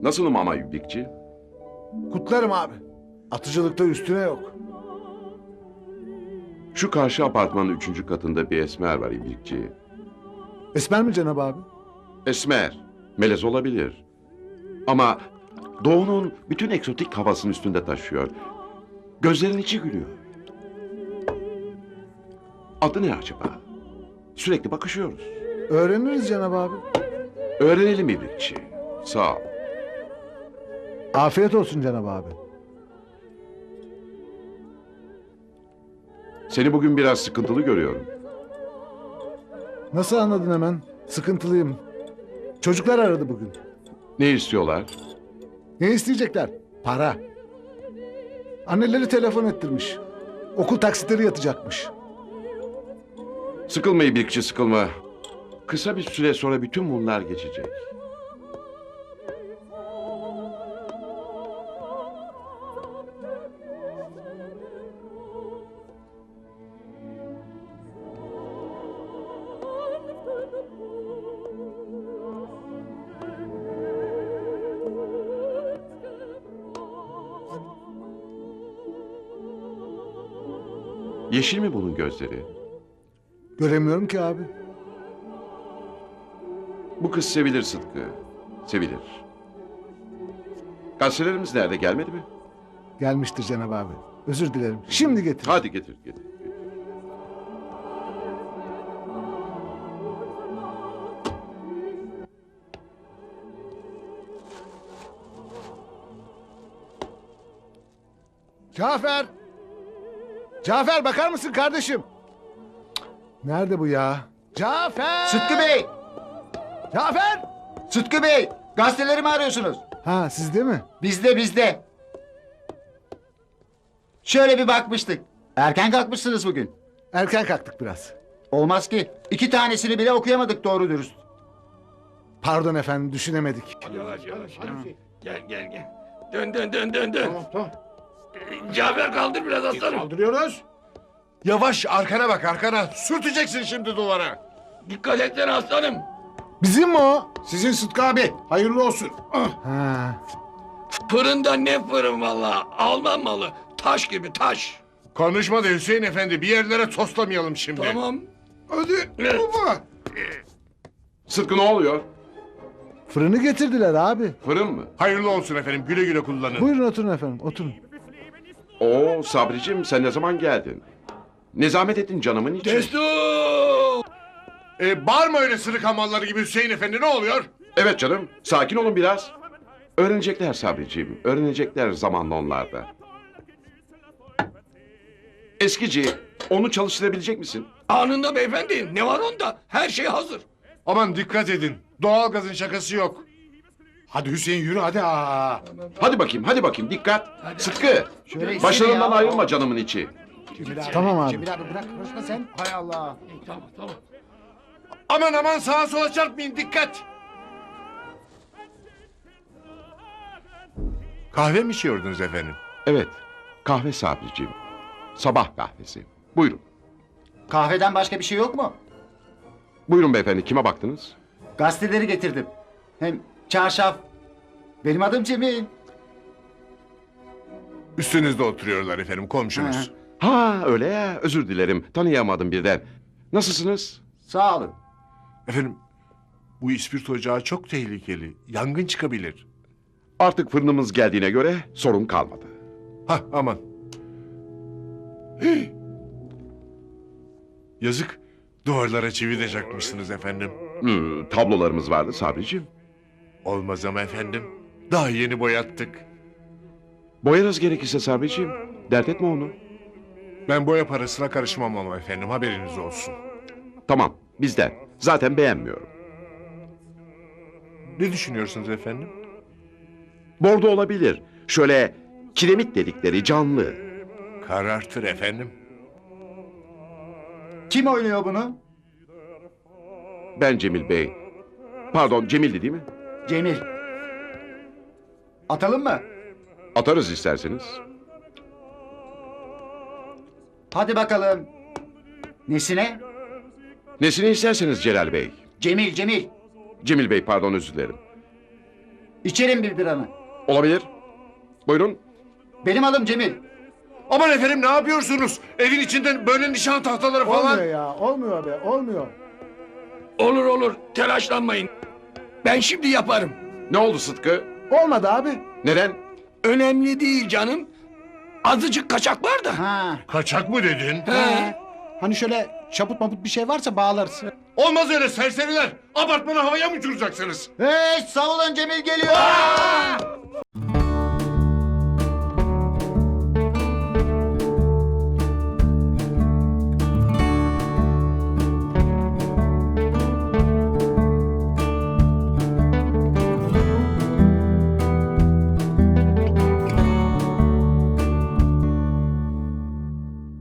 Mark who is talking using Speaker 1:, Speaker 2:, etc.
Speaker 1: Nasılım ama İbrikçi?
Speaker 2: Kutlarım abi. Atıcılıkta üstüne yok.
Speaker 1: Şu karşı apartmanın 3. katında bir esmer var İbrikçi.
Speaker 2: Esmer mi Cenab abi?
Speaker 1: Esmer, melez olabilir. Ama doğunun bütün eksotik havasını üstünde taşıyor. Gözlerin içi gülüyor. Adı ne acaba? Sürekli bakışıyoruz.
Speaker 2: Öğreniriz Cenab abi.
Speaker 1: Öğrenelim İbrikçi. Sağ ol.
Speaker 2: Afiyet olsun Cenab abi.
Speaker 1: Seni bugün biraz sıkıntılı görüyorum.
Speaker 2: Nasıl anladın hemen? Sıkıntılıyım. Çocuklar aradı bugün.
Speaker 1: Ne istiyorlar?
Speaker 2: Ne isteyecekler? Para. Anneleri telefon ettirmiş. Okul taksitleri yatacakmış.
Speaker 1: Sıkılma İbrikçi, sıkılma. Kısa bir süre sonra bütün bunlar geçecek. Yeşil mi bunun gözleri?
Speaker 2: Göremiyorum ki abi.
Speaker 1: Bu kız sevilir Sıtkı. Sevilir. Gazetelerimiz nerede, gelmedi mi?
Speaker 2: Gelmiştir Cenab abi. Özür dilerim. Şimdi getir.
Speaker 1: Hadi getir, getir.
Speaker 2: Cafer! Cafer bakar mısın kardeşim? Nerede bu ya? Cafer!
Speaker 3: Sıtkı Bey!
Speaker 2: Cafer!
Speaker 3: Sıtkı Bey! Gazeteleri mi arıyorsunuz?
Speaker 2: Ha sizde mi?
Speaker 3: Bizde. Şöyle bir bakmıştık. Erken kalkmışsınız bugün.
Speaker 2: Erken kalktık biraz.
Speaker 3: Olmaz ki. 2 tanesini bile okuyamadık doğru dürüst.
Speaker 2: Pardon efendim düşünemedik.
Speaker 4: Yavaş. Gel. Dön. Tamam. Cafer kaldır biraz aslanım.
Speaker 5: Kaldırıyoruz. Yavaş arkana bak arkana. Sürteceksin şimdi duvara.
Speaker 4: Dikkat etsene aslanım.
Speaker 2: Bizim mi o?
Speaker 5: Sizin Sıtkı abi. Hayırlı olsun.
Speaker 2: Ha.
Speaker 4: Fırında ne fırın valla. Alman malı. Taş gibi taş.
Speaker 5: Konuşma da Hüseyin Efendi. Bir yerlere toslamayalım şimdi.
Speaker 4: Tamam.
Speaker 5: Hadi
Speaker 4: Evet.
Speaker 5: baba.
Speaker 1: Sıtkı ne oluyor?
Speaker 2: Fırını getirdiler abi.
Speaker 1: Fırın mı?
Speaker 5: Hayırlı olsun efendim. Güle güle kullanın.
Speaker 2: Buyurun oturun efendim oturun.
Speaker 1: Oo Sabricim, sen ne zaman geldin? Ne zahmet ettin canımın için.
Speaker 4: Destur.
Speaker 5: Bağırma öyle sırık hamalları gibi Hüseyin Efendi. Ne oluyor?
Speaker 1: Evet canım, sakin olun biraz. Öğrenecekler Sabricim, öğrenecekler zamanla onlar da. Eskici, onu çalıştırabilecek misin?
Speaker 4: Anında beyefendi. Ne var onda? Her şey hazır.
Speaker 5: Aman dikkat edin. Doğalgazın şakası yok. Hadi Hüseyin yürü hadi.
Speaker 1: Hadi bakayım, dikkat. Sıtkı,
Speaker 3: Şöyle
Speaker 1: başlarından
Speaker 3: ya.
Speaker 1: ayrılma canımın içi.
Speaker 2: Tamam abi.
Speaker 3: Cemil abi bırak konuşma sen. Hay Allah.
Speaker 4: Tamam.
Speaker 5: Aman sağa sola çarpmayın dikkat. Kahve mi içiyordunuz efendim?
Speaker 1: Evet, kahve Sabricim. Sabah kahvesi. Buyurun.
Speaker 3: Kahveden başka bir şey yok mu?
Speaker 1: Buyurun beyefendi, kime baktınız?
Speaker 3: Gazeteleri getirdim. Hem çarşaf. Benim adım Cemil.
Speaker 5: Üstünüzde oturuyorlar efendim komşunuz.
Speaker 1: Ha öyle ya, özür dilerim, tanıyamadım birden. Nasılsınız?
Speaker 3: Sağ olun.
Speaker 5: Efendim bu ispirto ocağı çok tehlikeli. Yangın çıkabilir.
Speaker 1: Artık fırınımız geldiğine göre sorun kalmadı.
Speaker 5: Hah aman. Hih! Yazık. Duvarlara çivi de çakmışsınız efendim.
Speaker 1: Tablolarımız vardı Sabricim.
Speaker 5: Olmaz ama efendim. Daha yeni boyattık.
Speaker 1: Boyarız gerekirse Sabricim. Dert etme onu.
Speaker 5: Ben boya parasına karışmam ama efendim haberiniz olsun.
Speaker 1: Tamam, bizden. Zaten beğenmiyorum.
Speaker 5: Ne düşünüyorsunuz efendim?
Speaker 1: Bordo olabilir. Şöyle kiremit dedikleri canlı.
Speaker 5: Karartır efendim.
Speaker 3: Kim oynuyor bunu?
Speaker 1: Ben Cemil Bey. Pardon, Cemil'di değil mi?
Speaker 3: Cemil. Atalım mı?
Speaker 1: Atarız isterseniz.
Speaker 3: Hadi bakalım. Nesine?
Speaker 1: Nesini isterseniz Celal Bey.
Speaker 3: Cemil.
Speaker 1: Cemil Bey, pardon, özür dilerim.
Speaker 3: İçerim bir biranı.
Speaker 1: Olabilir. Buyurun.
Speaker 3: Benim adım Cemil.
Speaker 5: Aman efendim ne yapıyorsunuz? Evin içinden böyle nişan tahtaları falan.
Speaker 2: Olmuyor ya. Olmuyor be. Olmuyor.
Speaker 4: Olur olur telaşlanmayın. Ben şimdi yaparım.
Speaker 1: Ne oldu Sıtkı?
Speaker 2: Olmadı abi.
Speaker 1: Neden?
Speaker 4: Önemli değil canım. Azıcık kaçak var da.
Speaker 3: Ha.
Speaker 5: Kaçak mı dedin?
Speaker 4: He.
Speaker 6: Hani şöyle çaput maput bir şey varsa bağlarız.
Speaker 5: Olmaz öyle serseriler. Apartmanı havaya mı uçuracaksınız?
Speaker 3: Hey, sağ olun Cemil geliyor.